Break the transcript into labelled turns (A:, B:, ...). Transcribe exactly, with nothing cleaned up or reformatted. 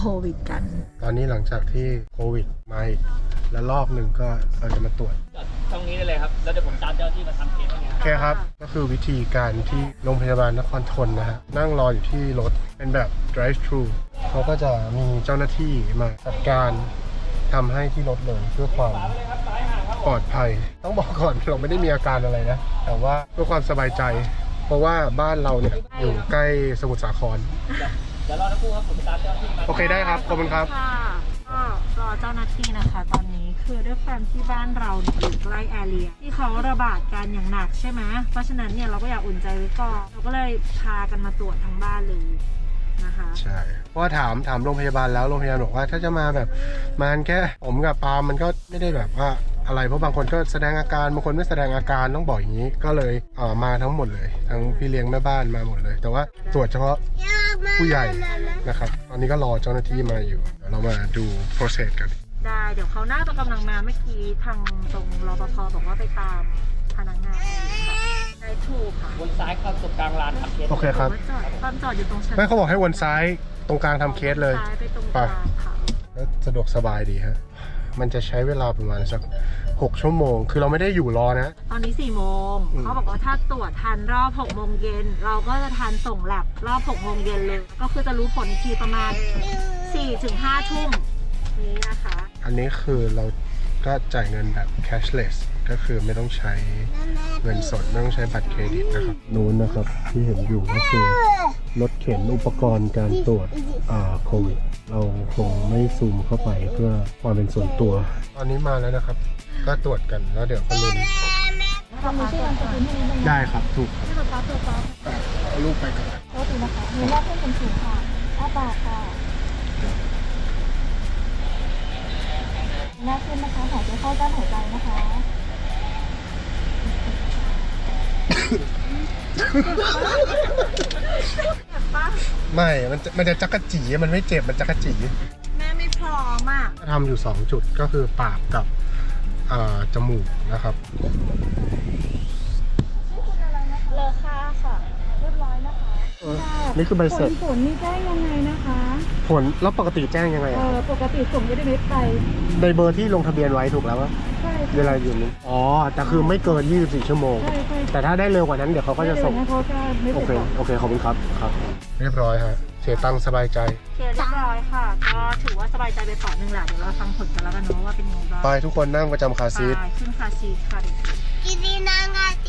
A: ควิดกัน
B: ตอนนี้หลังจากที่โควิดมาอีกแล้วรอบหนึ่งก็เราจะมาตรวจ
C: ตรงนี้ได้เลยครับแล้วเดี๋ยวผมตามเจ้าที่มาทำเคสให้
B: โอเคครับก็คือวิธีการที่โรงพยาบาลนครธนนะฮะนั่งรออยู่ที่รถเป็นแบบ drive thru เขาก็จะมีเจ้าหน้าที่มาจัดการทำให้ที่รถเลยเพื่อความปลอดภัยต้องบอกก่อนเราไม่ได้มีอาการอะไรนะแต่ว่าเพื่อความสบายใจเพราะว่าบ้านเราเนี่ยอยู่ใกล้สมุทรสาคร
C: เดี๋ยวรอนะครูครับผมตามเจ้าที่มา
B: โอเคได้ครับขอบคุณครับ
A: ก็รอเจ้าหน้าที่นะคะตอนนี้คือด้วยความที่บ้านเราอยู่ใกล้แอเรียที่เขาระบาดกันอย่างหนักใช่ไหมเพราะฉะนั้นเนี่ยเราก็อยากอุ่นใจไว้ก่อนเราก็เลยพากันมาตรวจทั้งบ้านเลยนะคะ
B: ใช่เพราะว่าถามถามโรงพยาบาลแล้วโรงพยาบาลบอกว่าถ้าจะมาแบบมาแค่ผมกับปาล์มมันก็ไม่ได้แบบว่าอะไรเพราะบางคนก็แสดงอาการบางคนไม่แสดงอาการต้องบอกอย่างนี้ก็เลยเอ่อมาทั้งหมดเลยทั้งพี่เลี้ยงแม่บ้านมาหมดเลยแต่ว่าตรวจเฉพาะผู้ใหญ่นะครับตอนนี้ก็รอเจ้าหน้าที่มาอยู่เดี๋ยวเรามาดู process กัน
A: ได้เดี๋ยวเขาน่าจะกำลังมาเมื่อกี้ทางตรงรปภบอกว่าไปตามพนักงานค่ะได้ถูกค่ะ
C: วนซ้ายเข้าตรงกลางลานทำเคส
B: โอเคครับ
A: ตอนจอดอยู่ตรงชั้น
B: ไม่เขาบอกให้วนซ้ายตรงกลางทำเคสเลย
A: ซ้ายไปตรงกลางค่ะ
B: แล้วสะดวกสบายดีฮะมันจะใช้เวลาประมาณสักหกชั่วโมงคือเราไม่ได้อยู่รอนะ
A: ตอนนี้สี่โมงเขาบอกว่าถ้าตรวจทันรอบหกโมงเย็นเราก็จะทันส่งแลบรอบหกโมงเย็นเลยก็คือจะรู้ผลอีกทีประมาณสี่ถึงห้าทุ่มนี้นะคะ
B: อันนี้คือเราก็จ่ายเงินแบบ cashless ก็คือไม่ต้องใช้เงินสดไม่ต้องใช้บัตรเครดิตนะครับนู้นนะครับที่เห็นอยู่ก็คือรถเข็นอุปกรณ์การตรวจโควิดเราคงไม่ซูมเข้าไปเพื่อความเป็นส่วนตัวตอนนี้มาแล้วนะครับก็ตรวจกันแล้วเดี๋ยวก็ลุ้นได้ครับถูกครับเอาลูกไปก่อน
D: โทษทีนะคะมีว่าเพื่อนเป็นสูงค่ะอ้าปากค่ะหน้าขึ้นนะคะหายใจเข้ากั้นหายใจนะคะ
B: ไม่มันจะมันจะจักระจีมันไม่เจ็บมันจักระจี
A: แม่ไม่พร้อมอ่ะ
B: ทำอยู่สองจุดก็คือปากกับจมูกนะครับ
D: เลอค่าค่ะเรียบร้อยนะคะ
B: นี่คือใบเสร็จ
D: ผลนี่แจ้งยังไงนะคะ
B: ผลแล้วปกติแจ้งยังไง
D: เออปกติส่งเอสเอ็มเอสไป
B: ในเบอร์ที่ลงทะเบียนไว้ถูกแล้วว่า
D: ใช่
B: เวลาอยู่นี้อ๋อแต่คือไม่เกินยี่สิบสี่ชั่วโมงแต่ถ้าได้เร็วกว่านั้นเดี๋ยวเขาก็จะส่งโอเคโอเคขอบคุณครับครับเรียบร้อยฮะเสียตังค์สบายใจ
A: เรียบร้อยค่ะก็ถือว่าสบายใจไปเปาะหนึ่งแหละเดี๋ยวเราฟังผลกันแล้วกันเนาะว่าเป็นยังไงบ้าง
B: ไปทุกคนนั่งประจำคาร์ซีท
A: ขึ้นคาร์ซีทค่ะ
D: กินดีนาง